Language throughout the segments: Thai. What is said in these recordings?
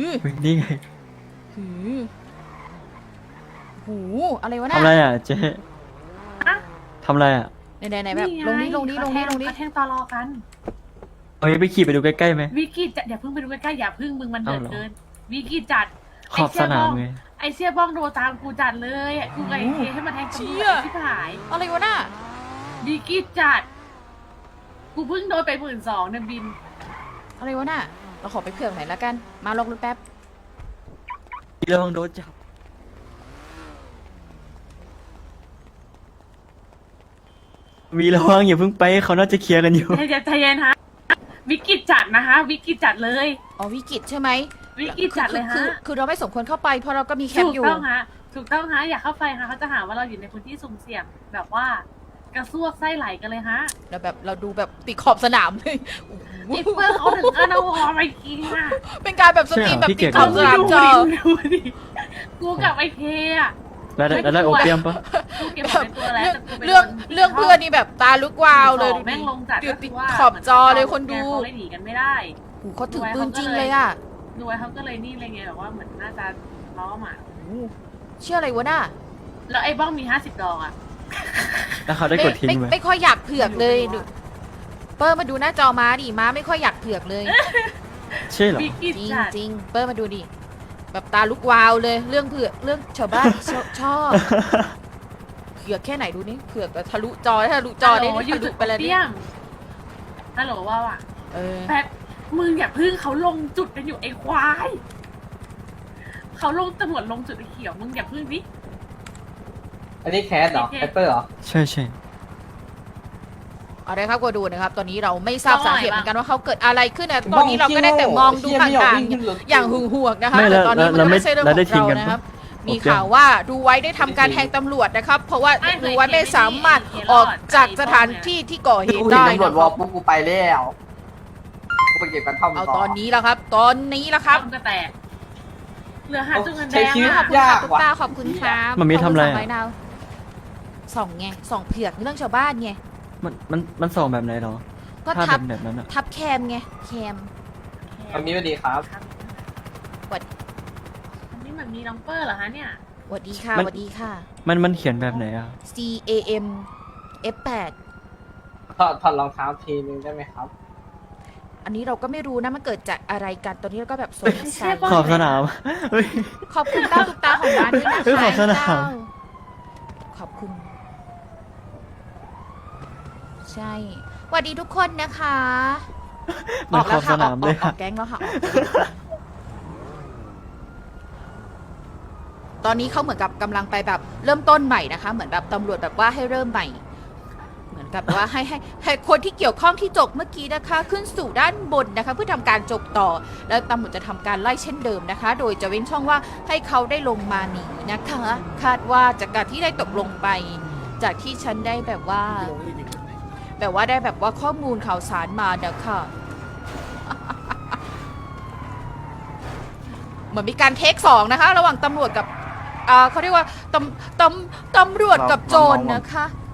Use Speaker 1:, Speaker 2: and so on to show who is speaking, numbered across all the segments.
Speaker 1: นี่ไง
Speaker 2: หือหูอะไรวะ
Speaker 1: ทำ
Speaker 2: น่ะ
Speaker 1: อะไรอ่ะเจ๊
Speaker 3: อะ
Speaker 1: ทำอะไรอ่ะ
Speaker 2: ไหนแบบลงนี้
Speaker 3: เขาแทงตอรอกัน
Speaker 1: เอาไปขี่ไปดูใกล้ๆไหม
Speaker 3: วิกฤตจัดอย่าเพิ่งไปดูใกล้ๆอย่าเพิ่งมึงมันเดือด
Speaker 1: เอาเหรอ
Speaker 3: เกินวิกฤตจัด
Speaker 1: ขอบสนามไง
Speaker 3: ไอเชี่ยบ้องโดตามกูจัดเลยกูไอเคให้มาแทงตำรวจที่ผาย
Speaker 2: อะไรวะน่ะ
Speaker 3: วิกฤตจัดกูเพิ่งโดนไป12,000เนี่ยบิน
Speaker 2: อะไรวะน่ะเราขอไปเผื่อหน่อยละกันมาลงรถแป๊บ
Speaker 1: ระวังโดนจับมีระวังอย่าเพิ่งไปเขาน่าจะเคลียร์กันอยู่
Speaker 3: ใจเย็นฮะวิกฤตจัดนะคะวิกฤตจัดเลย
Speaker 2: อ๋อวิกฤตใช่ไหม
Speaker 3: วิกฤตจัดเลยฮะ
Speaker 2: คือเราไม่สมควรเข้าไปเพราะเราก็มีแคม
Speaker 3: ถู
Speaker 2: ป์
Speaker 3: ก
Speaker 2: อยู่
Speaker 3: ต้องฮะถูกต้องฮะอย่าเข้าไปฮะเขาจะหาว่าเราอยู่ในพื้นที่สุ่มเสี่ยงแบบว่ากระซวกไส้ไหลกันเลยฮะ
Speaker 2: เราดูแบบติดขอบสนามเลย
Speaker 3: นิปเปอร์เขาถึงก็เอาวอไปกินอ่ะ
Speaker 2: เป็นการแบบสตรีมแบบติดขอบสนาม
Speaker 3: ดู
Speaker 2: จอ
Speaker 3: ดิกูกับไอเคอ่ะ
Speaker 1: แล้วได้โอเปียมปะ
Speaker 3: กูเก็บของในตัวแล้วแต่กูไป
Speaker 2: เรื่องเพื่อนนี่แบบตาลุกวาวเลย
Speaker 3: แม่งลงจัด
Speaker 2: เดี๋ยวติดขอบจอเลยคนดู
Speaker 3: เขาเลยหนีกันไม่ได้
Speaker 2: โอ้โหเขาถือปืนจริงเลยอ่ะ
Speaker 3: ดูไว้เขาก็เลยนี่อะไรเงี้ยแบบว่าเหมือนน่าจะล้อมอ่ะ
Speaker 2: โอ้โหเชื่ออะไรวะน่ะ
Speaker 3: แล้วไอ้บ้องมี50 ดอกอ่ะ
Speaker 1: แล้วเขาได้กดทิ้งไหม
Speaker 2: ไม่ค่อยอยากเผือกเลยดูเปิ้ลมาดูหน้าจอม้าดิม้าไม่ค่อยอยากเผือกเลย
Speaker 1: ใช่เหรอ
Speaker 3: วิกฤต
Speaker 2: จริง
Speaker 3: จัด
Speaker 2: จริงเปิ้ลมาดูดิแบบตาลุกวาวเลยเรื่องเผือกเรื่องชาวบ้าน ชอบเผือกแค่ไหนดูนี่เผือกแบบทะลุจอได้ทะลุจอได้
Speaker 3: ฮัลโหล
Speaker 2: ทะลุไปเลย
Speaker 3: เตี้
Speaker 2: นี่
Speaker 3: ยมฮัลโหลว่าว่ะ
Speaker 2: เออ
Speaker 3: แป๊บมึงอย่าพึ่งเขาลงจุดกันอยู่ไอ้ควายเขาลงตำรวจลงจุดไอ้เขียวมึงอย่าพึ่งดิ
Speaker 4: อันนี้แคสเหรอ แคสเปอร์เหรอ
Speaker 1: ใช่ใช่
Speaker 2: เอาได้ครับก็ดูนะครับ ตอนนี้เราไม่ทราบสาเหตุเหมือนกันว่าเขาเกิดอะไรขึ้นนะตอนนี้เราก็ได้แต่มองดูห่างๆอย่างหึงหวงนะคะ
Speaker 1: ไม่
Speaker 2: แต่
Speaker 1: แล้ว
Speaker 2: ตอนนี้มัน
Speaker 1: แล้ว
Speaker 2: ไม่ใช่เรื่อง
Speaker 1: แล้วได้
Speaker 2: ข
Speaker 1: ทิ้
Speaker 2: อง ง
Speaker 1: กั
Speaker 2: เรา
Speaker 1: น
Speaker 2: นะครับ
Speaker 1: ปะ
Speaker 2: มีข่าวว่าดูไว้ได้ทำการแทงตำรวจนะครับ เพราะว่าดูไว้ไม่สามารถออกจากสถานที่ที่ก่อเห
Speaker 4: กู
Speaker 2: ตุ
Speaker 4: เห็น
Speaker 2: ได้
Speaker 4: ตำรวจ
Speaker 2: นะ
Speaker 4: ว
Speaker 2: ค
Speaker 4: อ
Speaker 2: รับ
Speaker 4: ปุ๊บกูไปแล้วกูไปเก็บกระท่อม
Speaker 2: เอา
Speaker 4: ต่อ
Speaker 2: ตอนนี้แล้วครับ ตอนนี้แล้วครับ
Speaker 3: ต้มก็แตกเหลือหาจุดเงินแด
Speaker 4: ใช้
Speaker 3: ง
Speaker 4: ชีวิต
Speaker 3: อ่ะ
Speaker 2: ขอบคุณ
Speaker 4: ยา
Speaker 2: ค่ะ
Speaker 4: ก
Speaker 2: ตุ๊ก
Speaker 4: ว่ะ
Speaker 2: ตาขอบคุณครับ
Speaker 1: มันมีทำอะไร
Speaker 2: ขบ
Speaker 1: อะ
Speaker 2: คุณสงดาวส่องไงส่องเผือกเรื่องชาวบ้านไง
Speaker 1: มันส่องแบบไหนเหรอ
Speaker 2: ก็
Speaker 1: ถ้า
Speaker 2: ทับ
Speaker 1: แบบนั้นอ่ะ
Speaker 2: ทับแคมไงแคม
Speaker 4: วันนี้สวัสดีครับ
Speaker 3: อันนี้เหมือนมีน้องเปอร์เหรอฮะเนี่ย
Speaker 2: สวัสดีค่ะสวัสดีค่ะ
Speaker 1: มันเขียนแบบไหนอ่ะ
Speaker 2: C A M F8
Speaker 4: ถอดรองเท้าทีนึงได้ไหมครับ
Speaker 2: อันนี้เราก็ไม่รู้นะมันเกิดจากอะไรกันตอนนี้เราก็แบบสงสัย
Speaker 1: ขอบสนามเฮ้ย
Speaker 2: ขอบคุณเต้าตุ๊กตาของร้านด้วยนะ
Speaker 1: เฮ้ยขอบสนาม
Speaker 2: เต้ขอบคุณ ใช่สวัสดีทุกคนนะคะ
Speaker 1: เหมือนขอบสนามเลย
Speaker 2: ออกแก๊งแล้วค่ะออกแก๊งตอนนี้เขาเหมือนกับกำลังไปแบบเริ่มต้นใหม่นะคะ เหมือนแบบตำรวจแบบว่าให้เริ่มใหม่ เหมือนกับว่าให้คนที่เกี่ยวข้องที่จบเมื่อกี้นะคะ ขึ้นสู่ด้านบนนะคะ เพื่อทำการจบต่อ แล้วตำรวจจะทำการไล่เช่นเดิมนะคะ โดยจะเว้นช่องว่าให้เขาได้ลงมาหนีนะคะ คาดว่าจากการที่ได้ตกลงไป จากที่ฉันได้แบบว่าได้แบบว่าข้อมูลข่าวสารมานะคะ เหมือนมีการเทคสองนะคะ ระหว่างตำรวจกับเขาเรียกว่าตำรวจกับโจรนะคะ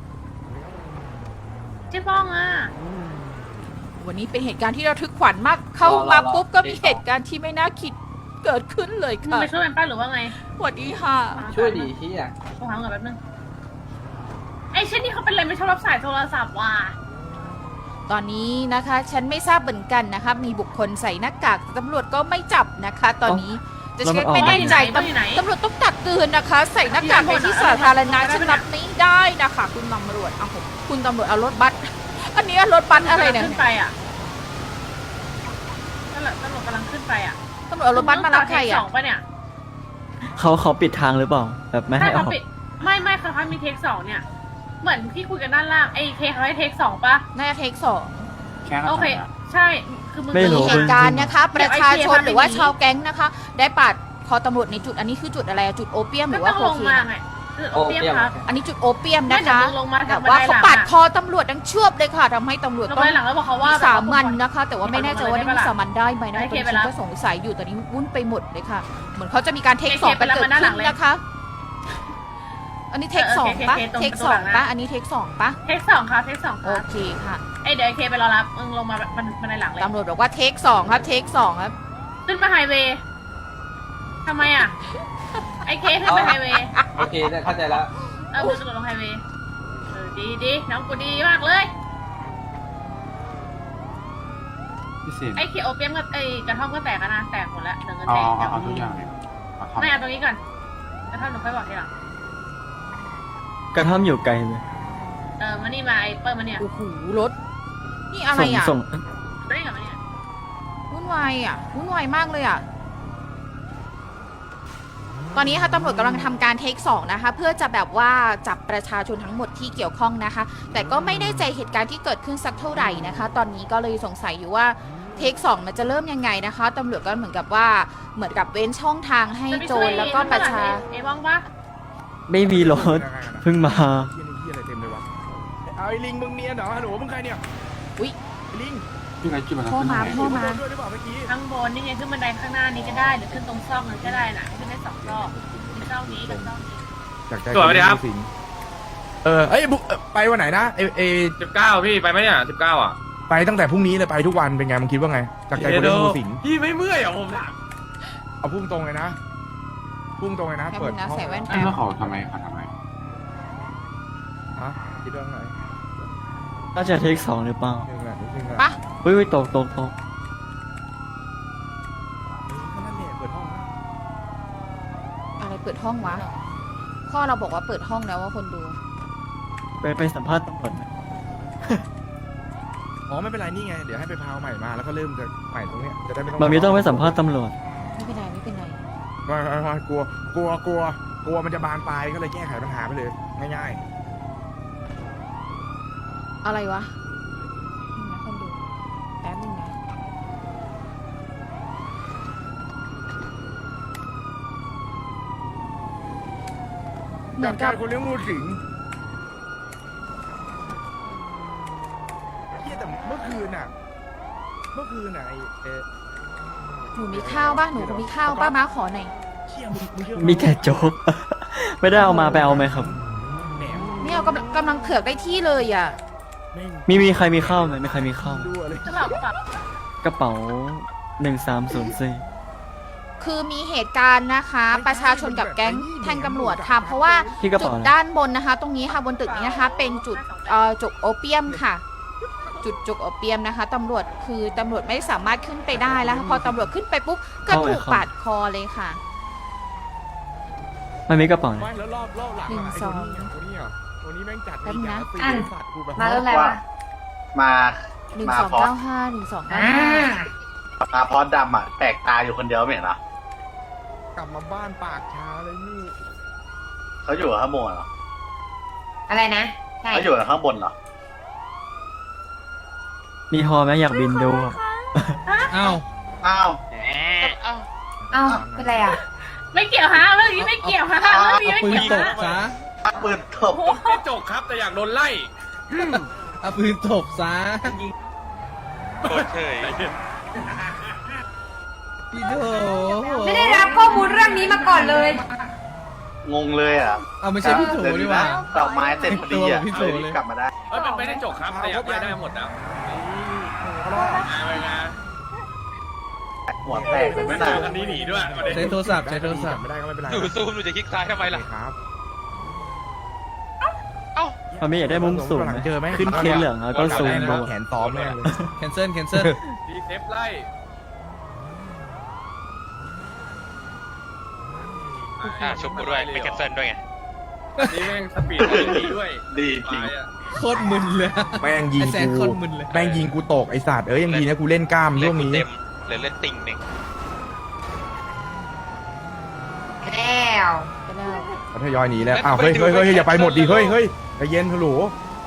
Speaker 3: เจ๊บ้องอ่ะ
Speaker 2: วันนี้เป็นเหตุการณ์ที่ระทึกขวัญมาก เข้ามาปุ๊บก็มีเหตุการณ์ที่ไม่น่าคิดเกิดขึ้นเลย
Speaker 3: มึง
Speaker 2: ค่ะ
Speaker 3: ไปช่วยมันป้าหรือว่าไง
Speaker 2: สวัสดีค่ะ
Speaker 4: ช่วยดีที่อ่ะ
Speaker 3: โทรหาก่อนแป๊บนึงไอ้เช่นนี่เขาเป็นอะไรไม่ชอบรับสายโทรศัพท์ว่ะ
Speaker 2: ตอนนี้นะคะฉันไม่ทราบเหมือนกันนะคะ มีบุคคลใส่หน้ากากตำรวจก็ไม่จับนะคะ ตอนนี้จะเช็คไม่แน่ใจตำรวจต้องตักเตือนนะคะ ใส่หน้ากากในที่สาธารณะฉันรับไม่ได้นะคะ คุณตำรวจเอาผมคุณตำรวจเอารถบัสอันนี้รถบัสอะไรเนี่ย
Speaker 3: ขึ้นไปอ่ะตำรวจกำลังขึ้นไปอ่ะ
Speaker 2: ตำรวจเอารถบัสมารับใคร
Speaker 3: ส
Speaker 2: อ่ะ
Speaker 3: องปะเนี่ย
Speaker 1: เขาปิดทางหรือเปล่า แบบไม่ให้อ
Speaker 3: เขา
Speaker 1: อก
Speaker 3: ปิดไม่เขามีเทคสองเนี่ย เหมือนที่คุยกันด้านล่างไอ้เคเขาให้เทคสองปะ
Speaker 2: น่าจะเทคสอง
Speaker 3: โอเค ใช่คือมึง
Speaker 2: มีเหตุการณ์นะคะ ประชาชนหรือว่าชาวแก๊งนะคะ ได้ปาดคอตำรวจในจุดอันนี้คือจุดอะไรอะจุดโอเปียมห
Speaker 3: ไม่
Speaker 2: รือ
Speaker 3: ต้
Speaker 2: ว่า
Speaker 3: อง
Speaker 2: โค
Speaker 3: ลง
Speaker 2: เคน
Speaker 3: มาไงคือโอเปียมครับ
Speaker 2: อันนี้จุดโอเปียมนะคะ
Speaker 3: ไม่เดี๋ยวมึงลงมา
Speaker 2: แต่ว่าเขาปาดคอตำรวจดังเชือบเลยค่ะทำให้ตำรวจ
Speaker 3: ลง
Speaker 2: ต้อง
Speaker 3: ไปหลังแล้วบอกเขาว่า
Speaker 2: วิสามันนะคะ แต่ว่าไม่แน่ใจว่าได้
Speaker 3: ลงมาเลย
Speaker 2: วิสามันได้ไหมนะ
Speaker 3: ให้
Speaker 2: ตอน
Speaker 3: เค
Speaker 2: นี้
Speaker 3: ไป
Speaker 2: ฉั
Speaker 3: รับ
Speaker 2: นก็สงสัยอยู่ตอนนี้วุ่นไปหมดเลยค่ะ เหมือนเขาจะมีการเทค
Speaker 3: ให้
Speaker 2: สอง
Speaker 3: เคไป
Speaker 2: กัน
Speaker 3: รับ
Speaker 2: เกิด
Speaker 3: มาด้านหลั
Speaker 2: ขึ้
Speaker 3: ง
Speaker 2: น
Speaker 3: เลย
Speaker 2: นะคะ อันนี้เทคสองปะ
Speaker 3: ตรง
Speaker 2: เทค
Speaker 3: ประตู
Speaker 2: สอง
Speaker 3: หลังนะ
Speaker 2: ปะอันนี้เทคสองปะ
Speaker 3: เทคสองครับเทคสองค
Speaker 2: โอ
Speaker 3: รับ
Speaker 2: เคค่ะ
Speaker 3: ไอ้เดี๋ยวไอ้เคไปรอรับมึงลงมามันในหลังเลย
Speaker 2: ตำรวจบอกว่าเทคสองครับเทคสองครับ
Speaker 3: ขึ้นมาไฮเวย์ทำไมอ่ะ ไอเคขึ้นไปไฮเวย์
Speaker 4: โอเคได้เข้าใจแล้ว
Speaker 3: มึงกระโดดลงไฮเวย์ดีน้องกูดีมากเลย
Speaker 5: พิเศษ
Speaker 3: ไอเคโอเปียมกับไอกระท่อมก็แตกกันนะแตกหมดแล้วเดี๋ยวเงิน
Speaker 5: เอา
Speaker 3: แตก
Speaker 5: เอาทุกอย่างเลยเอาทำ
Speaker 3: ไม่เอาตรงนี้ก่อนกระท่อมหนูค่อยบอกทีหลัง
Speaker 1: กระท่อมอยู่ไกลเลย
Speaker 3: มานี่มาไอเปิ้ลมาเนี่ย
Speaker 2: โอ้โหรถ นี่อะไรอ่ะ
Speaker 1: ส่ง
Speaker 3: มานี่กับมาเนี่ย
Speaker 2: วุ่นวายอ่ะวุ่นวายมากเลยอ่ะ ตอนนี้ค่ะตำรวจกำลังทำการเทค2นะคะ เพื่อจะแบบว่าจับประชาชนทั้งหมดที่เกี่ยวข้องนะคะ แต่ก็ไม่ได้ใจเหตุการณ์ที่เกิดขึ้นสักเท่าไหร่นะคะ ตอนนี้ก็เลยสงสัยอยู่ว่าเทค2มันจะเริ่มยังไงนะคะตำรวจก็เหมือนกับว่าเหมือนกับเว้นช่องทางให้โจรแล้วก็ประชา
Speaker 3: ไอบ้องปะ
Speaker 1: ไม่มีรถเพิ่งมา
Speaker 6: เฮียนี่เฮียอะไรเต็มเลยวะเอาไอ้ลิงมึงเนียนเหรอฮัลโหลมึงใครเนี่ย
Speaker 2: อุ๊ย
Speaker 6: ไอ้ลิง
Speaker 5: ที่ไรกี่วัน
Speaker 2: พ่อมา
Speaker 5: ขึ้น
Speaker 2: พ่อ
Speaker 5: ไหน
Speaker 2: มา
Speaker 6: โดนด้วยหรือเปล่าเมื่อกี้
Speaker 3: ข้างบนนี่ไงขึ้นบันไดข้างหน้านี้ก็ได้หรือขึ้นตรงซอกนั้นก็ได้น่ะขึ้นได้2 รอบมีซอกนี้กับซอกนี้
Speaker 6: จากใจ
Speaker 7: สวัสดีครับ
Speaker 6: สิงเอ้ยบุ๊ไปวันไหนนะเอ
Speaker 7: 19พี่ไปไหมเนี่ย19อ่ะ
Speaker 6: ไปตั้งแต่พรุ่งนี้เลยไปทุกวันเป็นไงมึงคิดว่าไงจากใจคนเล่นงูสิง
Speaker 7: พี่ไม่เมื่อยเหรอผมถาม
Speaker 6: เอาพุ่งตรงเลยนะพุ่งตรงเลยนะ
Speaker 2: แป๊บ
Speaker 6: เปิ
Speaker 2: นึ
Speaker 6: ด
Speaker 2: งนะ
Speaker 6: ห้อง
Speaker 2: ใส่แว่น
Speaker 5: เอ้ย
Speaker 2: แป๊บ
Speaker 5: แล้วเขาทำไมเขาทำไม
Speaker 6: ฮะคิดว่าไง
Speaker 1: น่าจะเทค2หรือเปล่า
Speaker 6: นึงแหละนึงแหละ
Speaker 2: ปะ
Speaker 1: เฮ้ยตก
Speaker 6: ก็นั่นแหละเปิดห้องนะ
Speaker 2: อะไรเปิดห้องวะพ่อเราบอกว่าเปิดห้องแล้วว่าคนดู
Speaker 1: ไปสัมภาษณ์ตำรวจไหม
Speaker 6: อ๋อไม่เป็นไรนี่ไงเดี๋ยวให้ไปพาวใหม่มาแล้วก็เริ่มจากใหม่ตรงเนี้ยจะได้ไม่ต้อง
Speaker 1: บางทีต้องไปสัมภาษณ์ตำรวจ
Speaker 2: ไม่เป็นไรไม่เป็นไร
Speaker 6: ไม่กลัวมันจะบานปลายก็เลยแก้ไขปัญหาไปเลยง่าย
Speaker 2: อะไรวะนี่นะคนดูแป๊บนึงนะเห
Speaker 6: ๆ
Speaker 2: มือนกับ
Speaker 6: จากใจคนเลี้ยงงูสิงเฮียแต่เมื่อคืนน่ะไอ้
Speaker 2: หนูมีข้าวป่ะหนูมีข้าวป้าม้าขอหน่อย
Speaker 6: เชี่ยมึงเชื่อ
Speaker 1: มีแต่โจ๊ก ไม่ได้เอามาไปเอาไหมครับ
Speaker 6: แหนม
Speaker 2: ไม่เอากำลังเผือกได้ที่เลยอ่ะ
Speaker 6: แม่ง
Speaker 1: มีใครมีข้าวไหมไม่ใครมีข้าว
Speaker 6: ดูอะไร
Speaker 3: กระเป๋ากระเป๋าก
Speaker 1: ระเป๋า1304
Speaker 2: คือมีเหตุการณ์นะคะ ประชาชนกับแก๊งแท่งตำรวจค่ะ เพราะว่า
Speaker 1: ที่กระ
Speaker 2: จุด
Speaker 1: เป๋านะ
Speaker 2: ด้านบนนะคะ ตรงนี้ค่ะบนตึกนี้นะคะ เป็นจุดจุกโอเปียมค่ะ จุดจุกโอเปียมนะคะตำรวจคือตำรวจไม่สามารถขึ้นไปได้แล้วค่ะพอตำรวจขึ้นไปปุ๊บก็ถูกปาดคอเลยค่ะ
Speaker 1: มันมีกระเป๋าไหน
Speaker 6: ไม่แล้วรอบหลัง
Speaker 2: หนึ่ง
Speaker 6: อะไอ้
Speaker 2: สอง
Speaker 6: ตัวนี้อ่ะตัวนี้แม่งจัด
Speaker 2: แป๊บนึงนะ
Speaker 6: จัดสัตว์กูแบบ
Speaker 3: มาแล้วอะไรวะ
Speaker 8: มา
Speaker 2: 1295 1295
Speaker 8: มาพอดำอ่ะแปลกตาอยู่คนเดียวไม่เห็นเหรอก
Speaker 6: ลับมาบ้านปากชาเลยนี่
Speaker 8: เขาอยู่ข้างบนเหรอ
Speaker 3: อะไรนะใช่
Speaker 8: เขาอยู่ข้างบนเหรอ
Speaker 1: มีฮอไหมอยากบินดูอะ
Speaker 6: อ้าว
Speaker 8: อ้าว
Speaker 3: เอ้าเป็นไรอ่ะ ไม่เกี่ยวฮะเรื่องนี้ไม่เกี่ยวฮะเรื่องนี้ไม่เกี่ยวฮะ
Speaker 8: ปืนตบ
Speaker 7: ไม่จกครับแต่อยากโดนไล่
Speaker 6: เอาปืนตบซะ
Speaker 7: โดนเฉย
Speaker 6: พี่โถ
Speaker 3: ไม่ได้รับข้อมูลเรื่องนี้มาก่อนเลย
Speaker 8: งงเลยอ่ะ
Speaker 6: เอาไม่ใช่พี่โถดีกว่า
Speaker 8: ดอกไม้เสร็จพอดีอ่ะ
Speaker 6: พี่โถ
Speaker 8: เลย
Speaker 6: เลย
Speaker 8: กลับมาได้
Speaker 7: เอ้ยมันไม่ได้จกครับแต่อยากได้หมดแล้วไปนะ
Speaker 8: หัวแตกเลย
Speaker 7: ไม่
Speaker 8: ไม่
Speaker 7: เจ
Speaker 8: น่า
Speaker 7: อคันนี้หนีด้วยประเด็น
Speaker 6: ใช้โทรศัพท์ไม่ได้ก็ไม่เป็นไร
Speaker 7: หนูซูมหนูจะคลิกซ้ายทำไมล่ะ
Speaker 6: ครับ
Speaker 1: มันไม่อยากได้มุมสูงไหม
Speaker 6: เจอไหม
Speaker 1: ขึ้นเคสเหลืองแล้วก็ซูมดู
Speaker 6: แขนซ้อมแม่งเลย
Speaker 9: แคนเซิลแคนเซิล
Speaker 7: ดีเซฟไล่
Speaker 10: ชุบกูด้วยไม่แคนเซิลด้วยไง
Speaker 7: นี่แม่งสปีดดีด้วย
Speaker 8: ดีจริง
Speaker 9: โคตรมึนเลย
Speaker 6: แม่งยิง
Speaker 9: ไอ้แซนโค
Speaker 6: กู
Speaker 9: ตรมึนเลย
Speaker 6: แม่งยิงกูตกไอสัตว์ยังดีนะกูเล่นกล้าม
Speaker 10: เล่
Speaker 6: ช่
Speaker 10: น
Speaker 6: วง
Speaker 10: กู
Speaker 6: นี้
Speaker 10: เต็มเหลือเล่นติ่งหนึ่ง
Speaker 3: แล้ว
Speaker 2: ไปแล้ว
Speaker 6: เขาทยอยหนีแล้วอ้าวเฮ้ยอย่าไปหมดดิเฮ้ยใจเย็นฮัลโหล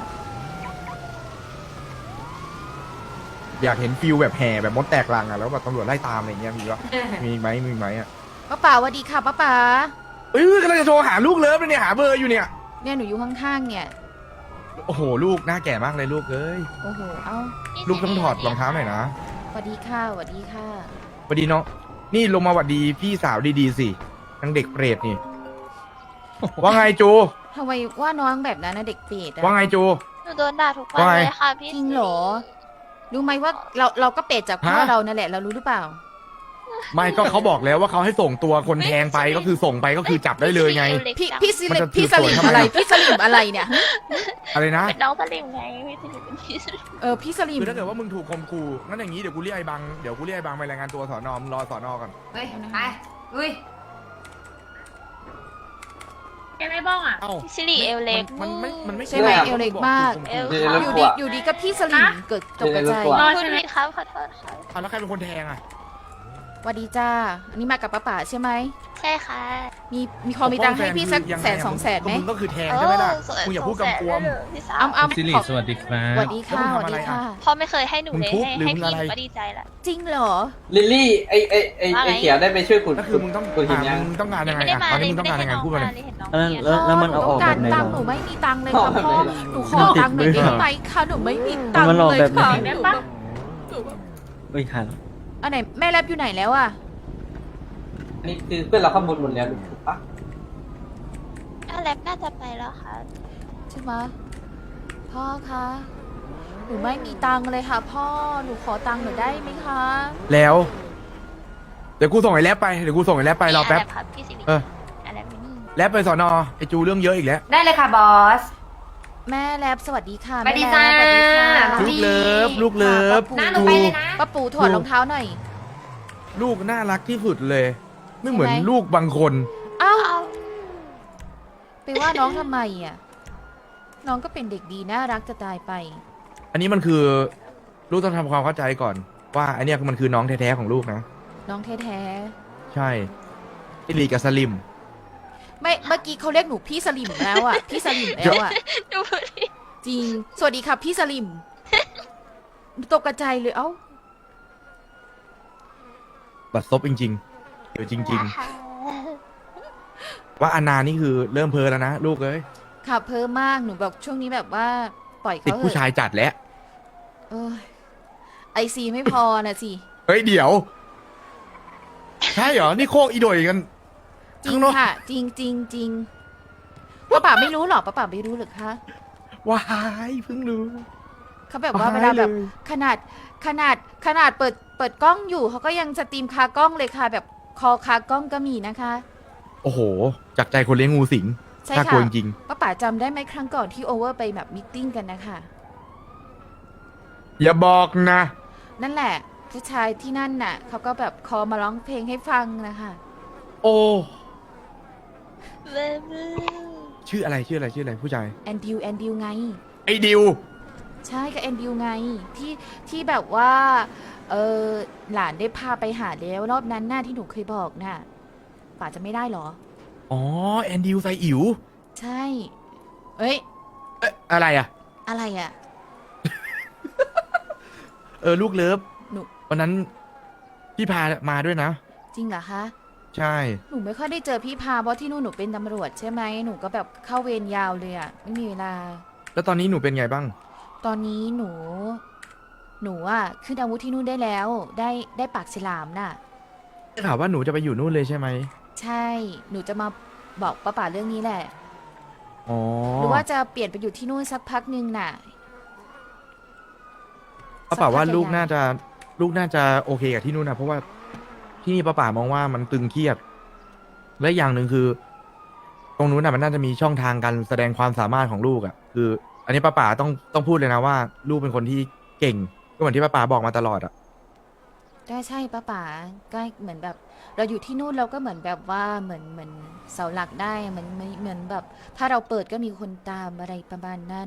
Speaker 6: อยากเห็นฟิลแบบแห่แบบมดแตกรังอ่ะแล้วแบบตำรวจไล่ตามอะไรอย่างเงี้ยมีวะมีไหมอ่ะ
Speaker 2: ป้าป๋าสวัสดีค่ะป้าป๋าก
Speaker 6: ำลังจะโทรหาลูกเลิฟเลยเนี่ยหาเบอร์อยู่เนี่ย
Speaker 2: เนี่ยหนูอยู่ข้างๆเนี่ย
Speaker 6: โอ้โหลูกหน้าแก่มากเลยลูกเอ้ย
Speaker 2: โอ้โหเอ้า
Speaker 6: ลูกต้องถอดรองเท้าหน่อยนะ
Speaker 2: สวัสดีค่ะสวัสดีค่ะ
Speaker 6: สวัสดีน้องนี่ลงมาหวัดดีพี่สาวดีๆสิทั้งเด็กเปรตนี่ว่าไงจู
Speaker 2: ทำไมว่าน้องแบบนั้นนะเด็กเปรตอะ
Speaker 6: ว่าไงจู
Speaker 11: หนูโดนด่าทุกวัน
Speaker 6: ว่าไง
Speaker 11: เลยค่ะพี่
Speaker 2: จริงเหรอ รู้ไหมว่าเราก็เปรตจากพ่อ
Speaker 6: ฮะ
Speaker 2: เรานั่นแหละเรารู้หรือเปล่า
Speaker 11: หนู
Speaker 6: ไม่ก็เขาบอกแล้วว่าเขาให้ส่งตัวคนแทงไปก็คือส่งไปก็คือจับได้เลยไง
Speaker 2: พี่ส
Speaker 6: มัน
Speaker 2: ลิม
Speaker 6: จะ
Speaker 2: พี่สลิม
Speaker 6: ทำไม
Speaker 2: อะไรพี่สลิมอะไรเนี่ย
Speaker 6: อะไรนะ
Speaker 3: เป็นน้องสลิมไงพี่สลิมเป็นพี่สลิม
Speaker 2: พี่สลิม
Speaker 6: คือถ้าเกิดว่ามึงถูกข่มขู่งั้นอย่างนี้เดี๋ยวกูเรียกไอ้บังเดี๋ยวกูเรียกไอ้บังไปรายงานตัวสอนอมงรอสอนอก่อน
Speaker 11: เฮ้ยไปอุ้ย
Speaker 3: แกไม่บ้องอ่ะ
Speaker 6: เอ้า
Speaker 11: พี่สิริเอลเล็ก
Speaker 6: มันไม่
Speaker 2: ใช่ไหม
Speaker 6: ข่
Speaker 2: เอลเล็กมาก
Speaker 6: ข่
Speaker 11: เอล
Speaker 2: อยู่ดีอยู่ดีก็พี่สลิมเกิดตกใจ
Speaker 3: รอ
Speaker 11: พูด
Speaker 3: ใช่ไหม
Speaker 11: ผิดครับขอโทษครับ
Speaker 6: เอาแล้วใครเป็นคนแทงอ่ะ
Speaker 2: สวัสดีจ้าอันนี้มากับป้าป๋าใช่ไหม
Speaker 11: ใช่ค่ะ
Speaker 2: มีพอมีตังค์ให้พี่สัก
Speaker 6: ยังไง
Speaker 2: แสนสองแสนไหม
Speaker 6: มึงก็คือแทงใช่ไหมล่ะมึงอย่าพูดกำกวม
Speaker 11: พี่สาว
Speaker 2: อ้ำ
Speaker 9: สิริ
Speaker 2: ขอ
Speaker 9: สวัสดีครั
Speaker 2: ส
Speaker 9: บ
Speaker 2: วัสดีค่ะ
Speaker 6: แล้ว
Speaker 2: ส
Speaker 6: มึง
Speaker 2: วัส
Speaker 6: ทำอะไร
Speaker 2: ดี
Speaker 6: อ่ะ
Speaker 2: ค่ะ
Speaker 11: พ่อไม่เคยให้หนู
Speaker 6: มึง
Speaker 11: เลย
Speaker 6: ทุบ
Speaker 11: ให้
Speaker 6: หรือ
Speaker 11: ให้
Speaker 6: มึง
Speaker 11: พี่
Speaker 6: อะไร
Speaker 11: หนูก็ดีใจละ
Speaker 2: จริงเหรอ
Speaker 4: ลิลลี่ไอเขียวได้ไปช่วยคุณ
Speaker 6: ก็คือมึงต้อง
Speaker 4: คุณหินยัง
Speaker 6: มึงต้องการยังไง
Speaker 11: ไม่ได้
Speaker 6: อ่ะ
Speaker 11: มา
Speaker 6: ตอน
Speaker 11: เล
Speaker 6: นี้
Speaker 11: ย
Speaker 6: มึงต้องการยังไงพูดมาเลย
Speaker 11: เห็นน้อง
Speaker 1: แล้วมันเอาออก
Speaker 2: หนู
Speaker 1: แบบไหน
Speaker 2: ต้
Speaker 1: หร
Speaker 2: งการตังค์หนู
Speaker 1: อ
Speaker 2: ไม่มีตังค์เลยค่ะพ่อหนูขอตังค์หน่อยได้ไหมคะหนูไม่มีตังค์
Speaker 1: มันหลอก
Speaker 2: เลย
Speaker 1: แบบไหน
Speaker 2: ค่ะ
Speaker 3: ได้ปะ
Speaker 1: เฮ้ยหัน
Speaker 2: อันไหนแม่แรปอยู่ไหนแล้วอะ
Speaker 4: อันนี้คือเพื่อนเราข้อมูลหมดแล้วถูกปะ
Speaker 11: แลบน่าจะไปแล้วค่ะ
Speaker 2: ใช่ไหมพ่อคะหนูไม่มีตังค์เลยค่ะพ่อหนูขอตังค์หน่อยได้ไหมคะ
Speaker 6: แล้ว เดี๋ยวกูส่งไอ้แรปไปเดี๋ยวกูส่งไอ้แรปไปรอแป๊บ
Speaker 11: ครับพี่สิริ
Speaker 6: เออ
Speaker 11: แลบอยู่นี่
Speaker 6: แรปไปสอนอไอ้จูเรื่องเยอะอีกแล้ว
Speaker 11: ได้เลยค่ะบอส
Speaker 2: แม่แรปสวัสดีค่ะ
Speaker 11: สวัสดี
Speaker 2: แม่แรป
Speaker 11: จ้า
Speaker 2: สวัสดีค่ะ
Speaker 6: ลูกเลิฟลูกเลิฟ
Speaker 2: ป้าปูป้าปูถอดรองเท้าหน่อย
Speaker 6: ลูกน่ารักที่สุดเลย ไม่เหมือน
Speaker 2: ใช่ไหม
Speaker 6: ลูกบางคน
Speaker 2: เอ้าไปว่าน้องทำไมอ่ะน้องก็เป็นเด็กดีน่ารักจะตายไป
Speaker 6: อันนี้มันคือ ลูกต้องทำความเข้าใจก่อน ว่าอันเนี้ยมันคือน้องแท้ๆของลูกนะ
Speaker 2: น้องแท้
Speaker 6: ใช่อิลีกับสลิม
Speaker 2: ๆไม่เมื่อกี้เขาเรียกหนูพี่สลิมแล้วอ่ะพี่สลิมแล้วอ่ะ
Speaker 11: ดูดิ
Speaker 2: จริง สวัสดีค่ะพี่สลิมตกกระจายเลยเอ้า
Speaker 6: บัดซบจริงๆเดี๋ยวจริง ๆ ว่าอานานี่คือเริ่มเพ้อแล้วนะลูกเอ้ย
Speaker 2: ค่ะเพิ่มมากหนูแบบช่วงนี้แบบว่าปล่อย
Speaker 6: ติด
Speaker 2: เขาเถ
Speaker 6: ผู้
Speaker 2: อะ
Speaker 6: ชายจัดแล้ว
Speaker 2: เอ้ยไอซีไม่พอนะสิ
Speaker 6: เฮ้ยเดี๋ยว ใช่เหรอ นี่โคกอีโดยกัน
Speaker 2: จริง
Speaker 6: ข้างนอก
Speaker 2: ค่ะ จริงจริงจริงป้าป๋าไม่รู้หรอป้าป๋าไม่รู้หรือคะ
Speaker 6: ว้ายเพิ่งรู้
Speaker 2: เขาแบบว่าเวลาแบบ
Speaker 6: เลย
Speaker 2: ขนาดเปิดกล้องอยู่เขาก็ยังสตรีมคากล้องเลยค่ะ แบบคอคากล้องก็มีนะคะ
Speaker 6: โอ้โห จากใจคนเลี้ยงงูสิง
Speaker 2: ใช่
Speaker 6: น่าก
Speaker 2: ค่ะ
Speaker 6: ลัวจริง
Speaker 2: ป้าป๋าจำได้ไหมครั้งก่อนที่โอเวอร์ไปแบบมิทติ้งกันนะคะ
Speaker 6: ๆอย่าบอกนะ
Speaker 2: นั่นแหละ ผู้ชายที่นั่นน่ะเขาก็แบบคอมาร้องเพลงให้ฟังนะคะ
Speaker 6: โอ้
Speaker 11: เบบี
Speaker 6: ชื่ออะไรผู้ชาย
Speaker 2: แอนดิวไง
Speaker 6: ไอ้ดิว
Speaker 2: ใช่ก็แอนดิวไงที่แบบว่าหลานได้พาไปหาแล้วรอบนั้นน่ะที่หนูเคยบอกน่ะป่าจะไม่ได้เหรอ
Speaker 6: อ๋อ แอนดิวไซอิ๋ว
Speaker 2: ใช่ เอ้ย
Speaker 6: เอ๊ะอะไรอ่ะ
Speaker 2: อะไรอ่ะ
Speaker 6: ลูกเลิฟ
Speaker 2: หนู
Speaker 6: วันนั้นพี่พามาด้วยนะ
Speaker 2: จริงเหรอคะ
Speaker 6: ใช่
Speaker 2: หนูไม่ค่อยได้เจอพี่พาเพราะที่นู่นหนูเป็นตำรวจใช่ไหมหนูก็แบบเข้าเวรยาวเลยอ่ะไม่มีเวลา
Speaker 6: แล้วตอนนี้หนูเป็นไงบ้าง
Speaker 2: ตอนนี้หนูอ่ะขึ้นอาวุธที่นู่นได้แล้ว ได้ปากฉลามน่ะ
Speaker 6: ได้ข่าวว่าหนูจะไปอยู่นู่นเลยใช่ไหม
Speaker 2: ใช่ หนูจะมาบอกป้าป๋าเรื่องนี้แหละ
Speaker 6: อ๋อ
Speaker 2: หรือว่าจะเปลี่ยนไปอยู่ที่นู่นสักพักหนึ่งน่ะ
Speaker 6: ป้าป่าว่า
Speaker 2: สัพั
Speaker 6: ลูก
Speaker 2: ใหญ่ๆ
Speaker 6: น่าจะโอเคกับที่นู่นนะเพราะว่าที่นี่ป้าป่ามองว่ามันตึงเครียด และอย่างหนึ่งคือ ตรงนู้นน่ะมันน่าจะมีช่องทางการแสดงความสามารถของลูกอ่ะ คือ อันนี้ป้าป่าต้องพูดเลยนะว่า ลูกเป็นคนที่เก่งก็เหมือนที่ป้าป่าบอกมาตลอดอ่ะ
Speaker 2: ได้ใช่ป้าป๋าก็เหมือนแบบ เราอยู่ที่นู่นเราก็เหมือนแบบว่าเหมือนเสาหลักได้เหมือนแบบ ถ้าเราเปิดก็มีคนตามอะไรประมาณนั้น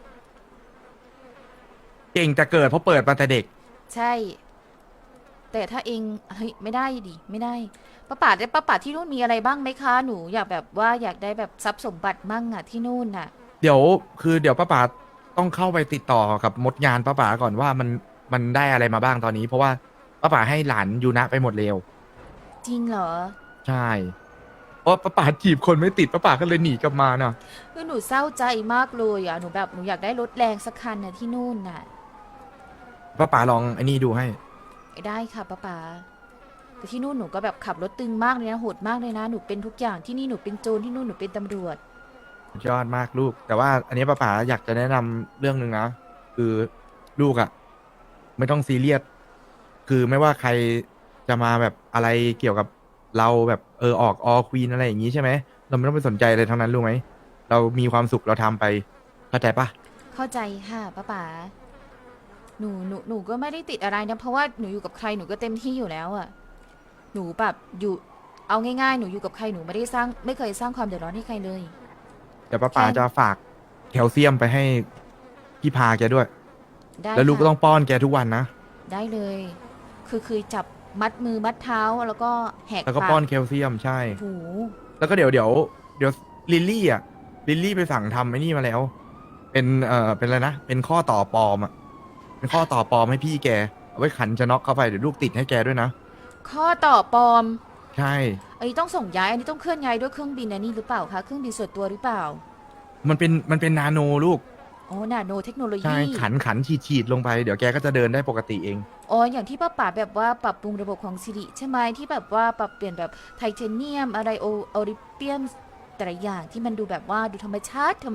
Speaker 6: เก่งแต่เกิดเพราะเปิดมาแต่เด็ก
Speaker 2: ใช่ แต่ถ้าเองเฮ้ยไม่ได้ดิไม่ได้ป้าป๋าที่นู่นมีอะไรบ้างไหมคะหนูอยากแบบว่าอยากได้แบบทรัพย์สมบัติมั่งอะที่นู่นน่ะ
Speaker 6: เดี๋ยวป้าป่าต้องเข้าไปติดต่อกับมดงานป้าป่าก่อนว่ามันได้อะไรมาบ้างตอนนี้ เพราะว่าป้าป่าให้หลานยูนะไปหมดเร็ว
Speaker 2: จริงเหรอ
Speaker 6: ใช่ เพราะป้าป่าจีบคนไม่ติดป้าป่าก็เลยหนีกลับมาน่ะ
Speaker 2: คือหนูเศร้าใจมากเลยอะหนูแบบหนูอยากได้รถแรงสักคันน่ะที่นู่นน่ะ
Speaker 6: ป้าป่าลองไอ้นี่ดูให้
Speaker 2: ได้ค่ะป้าป๋าแต่ที่นู่นหนูก็แบบขับรถตึงมากเลยนะโหดมากเลยนะหนูเป็นทุกอย่างที่นี่หนูเป็นโจรที่นู่นหนูเป็นตำรวจ
Speaker 6: ยอดมากลูก แต่ว่าอันนี้ป้าป๋าอยากจะแนะนำเรื่องหนึ่งนะ คือลูกอะ่ะ ไม่ต้องซีเรียส คือไม่ว่าใครจะมาแบบอะไรเกี่ยวกับเราแบบออกควีนอะไรอย่างงี้ใช่ไหมเราไม่ต้องไปสนใจอะไรทั้งนั้นรู้ไหมเรามีความสุขเราทำไปเข้าใจปะ
Speaker 2: เข้าใจค่ะป้าป๋าหนูก็ไม่ได้ติดอะไรนะเพราะว่าหนูอยู่กับใครหนูก็เต็มที่อยู่แล้วอะหนูแบบอยู่เอาง่ายๆหนูอยู่กับใครหนูไม่เคยสร้างความเดือดร้อนให้ใครเลย
Speaker 6: เดี๋ยวป้าป๋าจะฝากแคลเซียมไปให้พี่พาแกด้วย
Speaker 2: ได้
Speaker 6: แล้วลูกก็
Speaker 2: ค่ะ
Speaker 6: ต้องป้อนแกทุกวันนะ
Speaker 2: ได้เลย คือจับมัดมือมัดเท้าแล้วก็แหก
Speaker 6: แล้วก็
Speaker 2: ปาก
Speaker 6: ป้อนแคลเซียมใช่
Speaker 2: หู
Speaker 6: แล้วก็เดี๋ยวลิลลี่อ่ะลิลลี่ไปสั่งทำไอ้นี่มาแล้ว เป็นอะไรนะเป็นข้อต่อปลอมอ่ะเป็นข้อต่อปลอมให้พี่แกเอาไว้ขันจะน็อกเข้าไปเดี๋ยวลูกติดให้แกด้วยนะ
Speaker 2: ข้อต่อปลอม
Speaker 6: ใช่
Speaker 2: อันนี้ต้องส่งย้ายอันนี้ต้องเคลื่อนย้ายด้วยเครื่องบินอันนี้หรือเปล่าคะเครื่องบินส่วนตัวหรือเปล่า
Speaker 6: มันเป็นนาโนลูก
Speaker 2: อ๋อนาโนเทคโนโล
Speaker 6: ใช่
Speaker 2: ยี
Speaker 6: ขันฉีดลงไปเดี๋ยวแกก็จะเดินได้ปกติเอง
Speaker 2: อ๋ออย่างที่ป้าป๋าแบบว่าปรับปรุงระบบของซิริใช่ไหมที่แบบว่าปรับเปลี่ยนแบบไทเทเนียมอะไรโอริเปียมแต่ละอย่างที่มันดูแบบว่าดูธรรมชาติ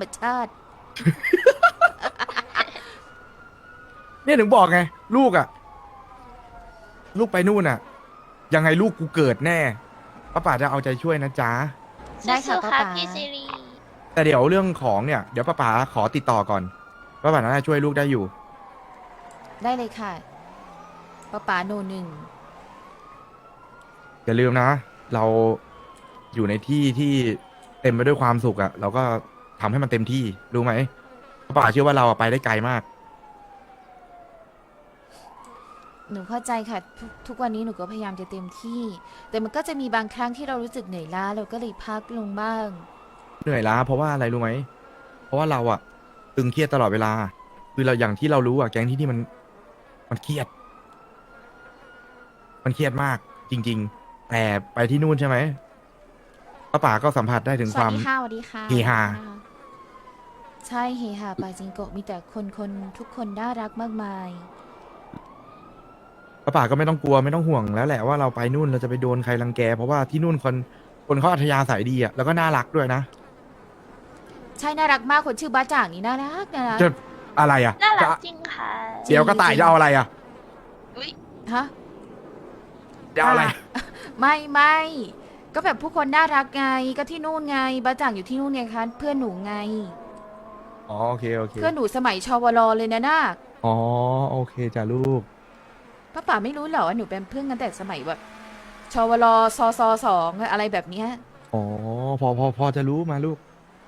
Speaker 6: เนี่ยถึงบอกไงลูกอ่ะ ลูกไปนู่นอ่ะ ยังไงลูกกูเกิดแน่ป้าป๋าจะเอาใจช่วยนะจ๊ะ
Speaker 2: ได้ค่ะ
Speaker 11: สู้ๆ
Speaker 2: ป้า
Speaker 11: ค่ะ
Speaker 2: ป๋า
Speaker 11: พี่ซิรี
Speaker 6: แต่เดี๋ยวเรื่องของเนี่ยเดี๋ยวป้าป๋าขอติดต่อก่อนป้าป๋าน่าจะช่วยลูกได้อยู่
Speaker 2: ได้เลยค่ะป้าป๋าโนหนึ่ง
Speaker 6: อย่าลืมนะ เราอยู่ในที่ที่เต็มไปด้วยความสุขอะเราก็ทำให้มันเต็มที่รู้ไหมป้าป๋าเชื่อว่าเราอะไปได้ไกลมาก
Speaker 2: หนูเข้าใจค่ะทุกวันนี้หนูก็พยายามจะเต็มที่ แต่มันก็จะมีบางครั้งที่เรารู้สึกเหนื่อยล้าเราก็เลยพักลงบ้าง
Speaker 6: เหนื่อยล้าเพราะว่าอะไรรู้ไหมเพราะว่าเราอะตึงเครียดตลอดเวลา คือเราอย่างที่เรารู้อะแก๊งที่นี่มันเครียด มันเครียดมากจริง ๆ แต่ไปที่นู่นใช่ไหมป้าป๋าก็สัมผัสได้ถึง
Speaker 2: ส
Speaker 6: ค
Speaker 2: วั
Speaker 6: วา
Speaker 2: ส
Speaker 6: ม
Speaker 2: ดีค่ะสวัสดีค่ะ
Speaker 6: เฮฮา
Speaker 2: ใช่เฮฮาปาจิงโกะมีแต่คนทุกคนน่ารักมากมาย
Speaker 6: ป้าป๋าก็ไม่ต้องกลัวไม่ต้องห่วงแล้วแหละว่าเราไปนู่นเราจะไปโดนใครรังแก เพราะว่าที่นู่นคนเขาอัธยาศัยดีอะแล้วก็น่ารักด้วยนะ
Speaker 2: ใช่น่ารักมากคนชื่อบ้าจ่างนี่น่ารักนะ
Speaker 6: จะอะไรอะ
Speaker 11: น่ารัก
Speaker 6: จะ
Speaker 11: จริงค่ะ
Speaker 6: เดี๋ยวก็ตายจะเอาอะไรอะ
Speaker 11: อุ้ย
Speaker 2: ฮะ
Speaker 6: จะเอาอะไร
Speaker 2: ไม่ก็แบบผู้คนน่ารักไงก็ที่นู่นไงบ้าจ่างอยู่ที่นู่นไงคะเพื่อนหนูไง
Speaker 6: อ๋อโอเค
Speaker 2: เพื่อนหนูสมัยชวรเลยนะนาค
Speaker 6: อ๋อโอเคจ้ะลูก
Speaker 2: ป้าป๋าไม่รู้เหรอว่าหนูเป็นเพื่อนกันแต่สมัยแบบชวรซสองอะไรแบบเนี้ย
Speaker 6: อ๋อพอจะรู้มาลูก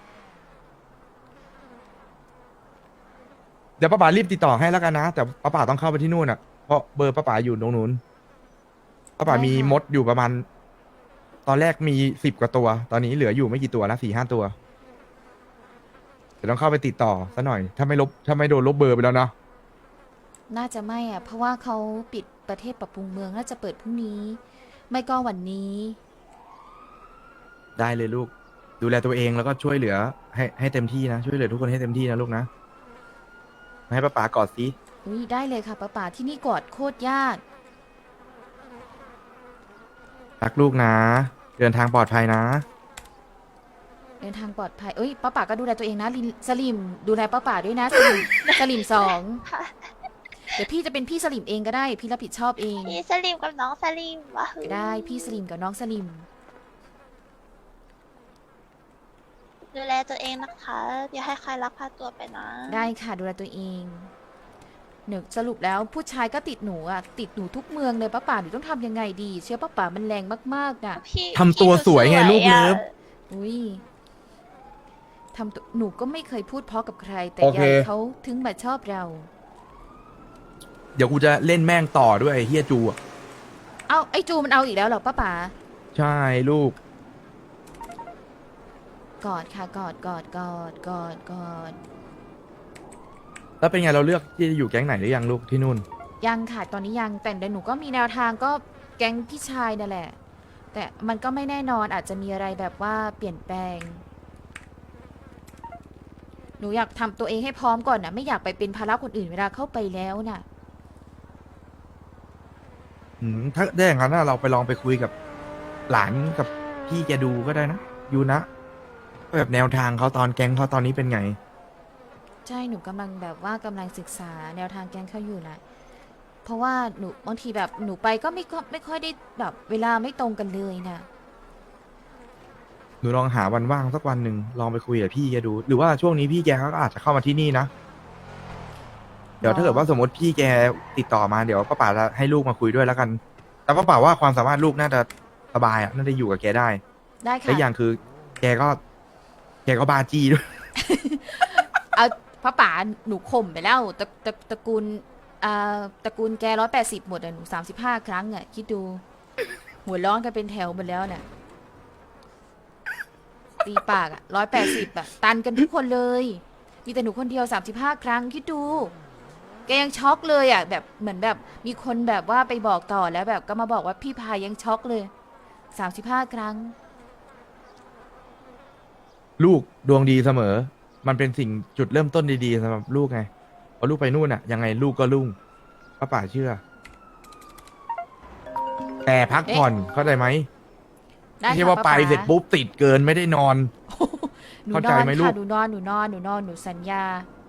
Speaker 6: เดี๋ยวป้าป๋ารีบติดต่อให้แล้วกันนะ แต่ป้าป๋าต้องเข้าไปที่นู่นอ่ะเพราะเบอร์ป้าป๋าอยู่ตรงนู้นป้าป๋ามีมดอยู่ประมาณ ตอนแรกมี10 กว่าตัว ตอนนี้เหลืออยู่ไม่กี่ตัวนะ4-5 ตัว เดี๋ยวต้องเข้าไปติดต่อซะหน่อย ถ้าไม่โดนลบเบอร์ไปแล้วเนาะ
Speaker 2: น่าจะไม่อ่ะ เพราะว่าเขาปิดประเทศปรับปรุงเมืองน่าจะเปิดพรุ่งนี้ ไม่ก็วันนี้
Speaker 6: ได้เลยลูก ดูแลตัวเองแล้วก็ช่วยเหลือให้เต็มที่นะ ช่วยเหลือทุกคนให้เต็มที่นะลูกนะมาให้ป้าป๋ากอดสิ
Speaker 2: อุ้ยได้เลยค่ะป้าป๋าที่นี่กอดโคตรยาก
Speaker 6: รักลูกนะ เดินทางปลอดภัยนะ
Speaker 2: เดินทางปลอดภัยเอ้ยป้าป๋าก็ดูแลตัวเองนะสลิมดูแลป้าป๋าด้วยนะสลิมสอง
Speaker 11: ค่ะ
Speaker 2: เดี๋ยวพี่จะเป็นพี่สลิมเองก็ได้ พี่รับผิดชอบเอง
Speaker 11: พี่สลิมกับน้องสลิมวะหือ
Speaker 2: ได้พี่สลิมกับน้องสลิม
Speaker 11: ดูแลตัวเองนะคะอย่าให้ใครลักพาตัวไปนะ
Speaker 2: ได้ค่ะดูแลตัวเองหนูสรุปแล้วผู้ชายก็ติดหนูอ่ะติดหนูทุกเมืองเลยป้าป๋าหนูต้องทำยังไงดี เชื่อป้าป๋ามันแรงมากๆน่ะ
Speaker 11: พี่
Speaker 6: ทำตัวสวยไงลูกเลิฟ
Speaker 2: อุ้ยทำตัวหนูก็ไม่เคยพูดเพราะกับใคร แต่
Speaker 6: โอเค
Speaker 2: ยายเขาถึงมาชอบเรา
Speaker 6: เดี๋ยวกูจะเล่นแม่งต่อด้วยไอ้เฮียจูอ่ะ
Speaker 2: เอ้าไอ้จูมันเอาอีกแล้วเหรอป้าป๋า
Speaker 6: ใช่ลูก
Speaker 2: กอดค่ะกอด
Speaker 6: แล้วเป็นไงเราเลือกที่จะอยู่แก๊งไหนหรือยังลูกที่นู่น
Speaker 2: ยังค่ะตอนนี้ยังแต่เดี๋ยวหนูก็มีแนวทางก็แก๊งพี่ชายนั่นแหละ แต่มันก็ไม่แน่นอนอาจจะมีอะไรแบบว่าเปลี่ยนแปลง หนูอยากทำตัวเองให้พร้อมก่อนนะไม่อยากไปเป็นภาระคนอื่นเวลาเข้าไปแล้วน่ะ
Speaker 6: ถ้าได้อย่างนั้นน่ะเราไปลองไปคุยกับหลานกับพี่แกดูก็ได้นะยูนะแบบแนวทางเขาตอนแก๊งเขาตอนนี้เป็นไง
Speaker 2: ใช่หนูกำลังแบบว่ากำลังศึกษาแนวทางแก๊งเขาอยู่นะเพราะว่าหนูบางทีแบบหนูไปก็ไม่ค่อยได้แบบเวลาไม่ตรงกันเลยนะ
Speaker 6: หนูลองหาวันว่างสักวันหนึ่งลองไปคุยกับพี่แกดู หรือว่าช่วงนี้พี่แกเขาก็อาจจะเข้ามาที่นี่นะ เดี๋ยวถ้าเกิดว่าสมมติพี่แกติดต่อมาเดี๋ยวป้าป๋าจะให้ลูกมาคุยด้วยแล้วกัน แต่ป้าป๋าว่าความสามารถลูกน่าจะสบายอ่ะน่าจะอยู่กับแกได้
Speaker 2: ได้
Speaker 6: และ
Speaker 2: ค่ะ
Speaker 6: อย่างคือ แกก็บาจี้ด้วย
Speaker 2: เอาพระป๋าหนูข่มไปแล้วตระกูลตระกูลแก180หมดอะหนู35ครั้งอะคิดดู หัวร้อนกันเป็นแถวหมดแล้วเนี่ยตีปากอะ180อะตันกันทุกคนเลย มีแต่หนูคนเดียว35ครั้งคิดดู แกยังช็อกเลยอะแบบเหมือนแบบมีคนแบบว่าไปบอกต่อแล้วแบบก็มาบอกว่าพี่พายยังช็อกเลย35ครั้ง
Speaker 6: ลูกดวงดีเสมอ มันเป็นสิ่งจุดเริ่มต้นดีๆสำหรับลูกไงพอลูกไปนู่นอ่ะยังไงลูกก็รุ่งป้าป๋าเชื่อ แต่พักผ่อนเข้าใจไหม
Speaker 2: ได้
Speaker 6: ไม่ใช่
Speaker 2: ค่ะ
Speaker 6: ว่าไป
Speaker 2: ป๊า
Speaker 6: เสร็จปุ๊บติดเกินไม่ได้นอน
Speaker 2: หนู
Speaker 6: เข้าน ใจ
Speaker 2: อน
Speaker 6: ไหมลู
Speaker 2: ค่ะ
Speaker 6: ก
Speaker 2: หนูนอนหนูสัญญา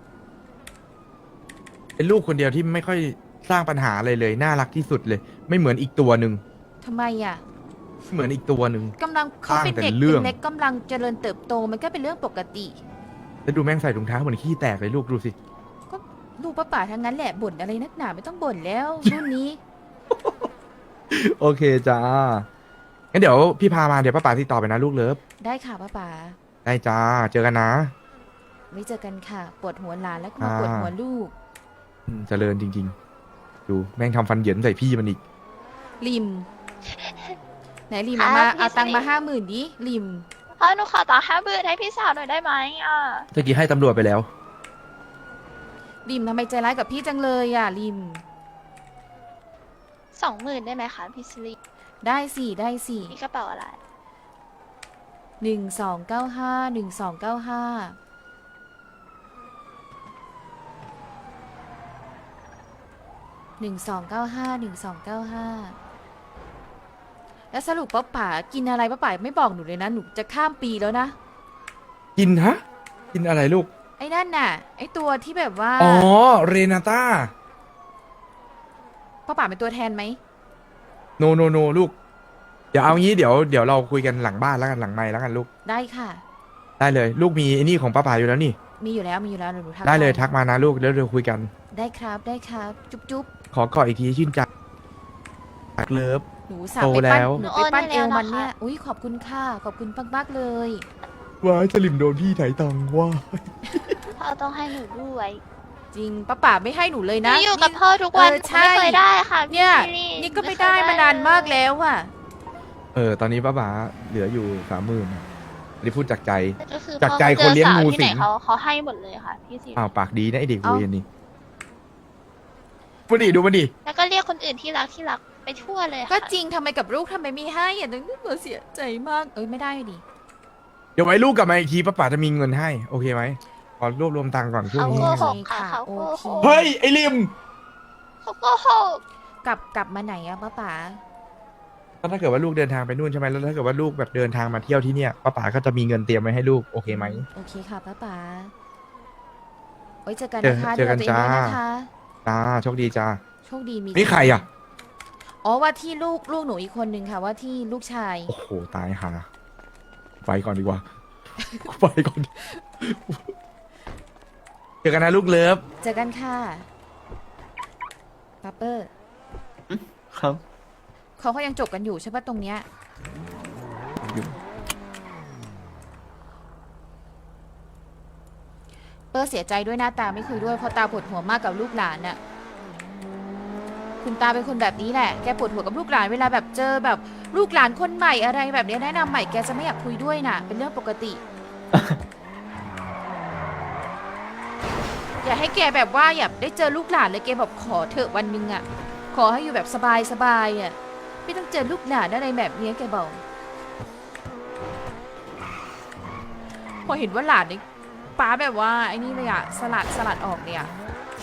Speaker 6: เป็นลูกคนเดียวที่ไม่ค่อยสร้างปัญหาอะไรเลยน่ารักที่สุดเลย ไม่เหมือนอีกตัวหนึ่ง
Speaker 2: ทำไมอ่ะ
Speaker 6: เหมือนอีกตัวหนึ่ง
Speaker 2: กำลังเขาเป็นเด็ก
Speaker 6: สร้างแต่เรื่อง
Speaker 2: เล็กกำลังเจริญเติบโตมันก็เป็นเรื่องปกติ
Speaker 6: แล้วดูแม่งใส่ถุงเท้าเหมือนขี้แตกเลยลูกดูสิ
Speaker 2: ก็ลูกป้าป๋าทั้งนั้นแหละบ่นอะไรนักหนาไม่ต้องบ่นแล้วรุ่นนี้
Speaker 6: โอเคจ้างั้นเดี๋ยวพี่พามาเดี๋ยวป้าป๋าติดต่อไปนะลูกเลิฟ
Speaker 2: ได้ค่ะป้าป๋า
Speaker 6: ได้จ้าเจอกันนะ
Speaker 2: ไว้เจอกันค่ะปวดหัวหลานแล้วก็มาปวดหัวลูก
Speaker 6: เจริญจริงๆ ดูแม่งทำฟันเหยินใส่พี่มันอีก
Speaker 2: ริม ไหนริม
Speaker 11: ครับ
Speaker 2: เอามา
Speaker 11: พี่
Speaker 2: เอาตังค์มา
Speaker 11: สิริ
Speaker 2: 50,000ดิริม
Speaker 11: พ่อหนูขอต่อ50,000ให้พี่สาวหน่อยได้ไหมอ่ะ
Speaker 6: ตะกี้ให้ตำรวจไปแล้ว
Speaker 2: ริมทำไมใจร้ายกับพี่จังเลยอ่ะริม
Speaker 11: 20,000ได้ไหมคะพี่สิริ
Speaker 2: ได้สิได้สิ
Speaker 11: นี่กระเป๋าอะไร
Speaker 2: 1295 แล้วสรุปป้าป๋ากินอะไรป้าป๋าไม่บอกหนูเลยนะหนูจะข้ามปีแล้วนะ
Speaker 6: กินฮะ กินอะไรลูก
Speaker 2: ไอ้นั่นน่ะ ไอ้ตัวที่แบบว่า
Speaker 6: อ๋อ เรนาต้า
Speaker 2: ป้าป๋าเป็นตัวแทนไหม
Speaker 6: โนลูก เดี๋ยวเอางี้เดี๋ยวเราคุยกันหลังบ้านแล้วกันหลังไมค์แล้วกันลูก
Speaker 2: ได้ค่ะ
Speaker 6: ได้เลย ลูกมีไอ้นี่ของป้าป๋าอยู่แล้วนี่
Speaker 2: มีอยู่แล้วเดี๋ยวหนูทัก
Speaker 6: ได้เลย
Speaker 2: ป
Speaker 6: ทักมานะลูกแล้วเดี๋ยวคุยกัน
Speaker 2: ได้ครับได้ครับ จุ๊บ
Speaker 6: ขอกอดอีกทีชื่นใจรักเลิฟ
Speaker 2: หนูสาว
Speaker 6: โต
Speaker 2: ไปปั้น
Speaker 6: แล้ว
Speaker 2: หนูไปปั้น
Speaker 11: หนู
Speaker 2: เอ
Speaker 11: โอน
Speaker 2: ว
Speaker 11: ให้แล้ว
Speaker 2: มันเนี่ย
Speaker 11: นะคะ
Speaker 2: อุ้ยขอบคุณค่ะขอบคุณมากๆเลย
Speaker 6: ว้ายสลิมโดนพี่ไถตังว่า
Speaker 11: พ่อต้องให้หนูด้วย
Speaker 2: จริงป้าป๋าไม่ให้หนูเลย
Speaker 11: หนู
Speaker 2: นะ
Speaker 11: อยู่กับพ่อทุกวัน
Speaker 2: เออ
Speaker 11: หนู
Speaker 2: ใช่
Speaker 11: ไม่เคยได้ค่ะพี่
Speaker 2: เนี่ย
Speaker 11: สิริ
Speaker 2: นี่ก็ไม่ได้มานานมากแล้วอ่ะ
Speaker 6: ตอนนี้ป้าป๋าเหลืออยู่30,000อันนี้พูดจากใจ
Speaker 11: ก็คือ
Speaker 6: จาก
Speaker 11: พ่อ
Speaker 6: ใจคนเลี้ยงงู
Speaker 11: จอสาวที่
Speaker 6: สิ
Speaker 11: ไห
Speaker 6: ง
Speaker 11: เขาให้หมดเลยค่ะพี่สิริ
Speaker 6: อ้าวปากดีนะไอเด็ก
Speaker 2: เอ้า
Speaker 6: เวรนี่ดูมันดิ
Speaker 11: แล้วก็เรียกคนอื่นที่รักไปทั่วเลยค่ะ
Speaker 2: ก็จริงทำไมกับลูกทำไมไม่ให้อ่ะนึกหนูเสียใจมากไม่ได้ดิ
Speaker 6: เดี๋ยวไว้ลูกกลับมาอีกทีป้าป๋าจะมีเงินให้ โอเคไหมขอรวบรวมตังค์ก่อนช่วง
Speaker 11: เขา
Speaker 6: นี้
Speaker 11: โกหก
Speaker 2: โอเค
Speaker 11: ค่ะ
Speaker 2: ค่ะ
Speaker 11: เขาโกหก
Speaker 6: เฮ้ย ไอริม
Speaker 11: เขาโกหก
Speaker 2: กลับมาไหนอะป้าป๋า
Speaker 6: ถ้าเกิดว่าลูกเดินทางไปนู่นใช่ไหมแล้วถ้าเกิดว่าลูกแบบเดินทางมาเที่ยวที่เนี่ยป้าป๋าก็จะมีเงินเตรียมไว้ให้ลูกโอเคไหม
Speaker 2: โอเคค่ะป้าป๋าไว้เจอกัน
Speaker 6: เจอ
Speaker 2: นะคะ
Speaker 6: เจอกัน
Speaker 2: ดูแลตัวเองด้วย
Speaker 6: จ้า
Speaker 2: นะคะ
Speaker 6: จ้าโชคดีจ้า
Speaker 2: โชคดีมี
Speaker 6: นี่ใครอ่ะ
Speaker 2: อ๋อว่าที่ลูกหนูอีกคนนึงค่ะ ว่าที่ลูกชาย
Speaker 6: โอ้โหตายหาไปก่อนดีกว่า ไปก่อนเจอกันนะลูกเลิฟ
Speaker 2: เจอกันค่ะป้าเปอร์
Speaker 1: ครับ
Speaker 2: เขาก็ยังจบกันอยู่ใช่ปะตรงเนี้ยเปอร์เสียใจด้วยหน้าตาไม่คุยด้วยเพราะตาปวดหัวมากกับลูกหลานน่ะคุณตาเป็นคนแบบนี้แหละแกปวดหัวกับลูกหลานเวลาแบบเจอแบบลูกหลานคนใหม่อะไรแบบนี้แนะนำใหม่แกจะไม่อยากคุยด้วยน่ะ เป็นเรื่องปกติ อย่าให้แกแบบว่าอยากได้เจอลูกหลานเลยแกแบบขอเถอะวันหนึงอ่ะขอให้อยู่แบบสบายอ่ะไม่ต้องเจอลูกหลานอะไรแบบนี้แกบอกพอเห็นว่าหลานนี่ป้าแบบว่าไอ้นี่เลยอ่ะสลัดออกเลยอ่ะ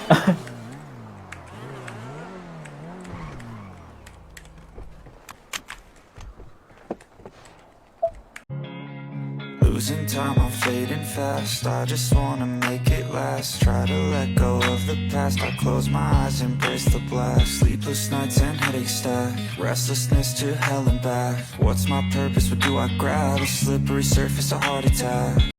Speaker 12: Losing time, I'm fading fast. I just wanna make it last. Try to let go of the past. past. I close my eyes, embrace the black. Sleepless nights and headaches stack. Restlessness to hell and back. What's my purpose? What do I grab? A slippery surface, a heart attack.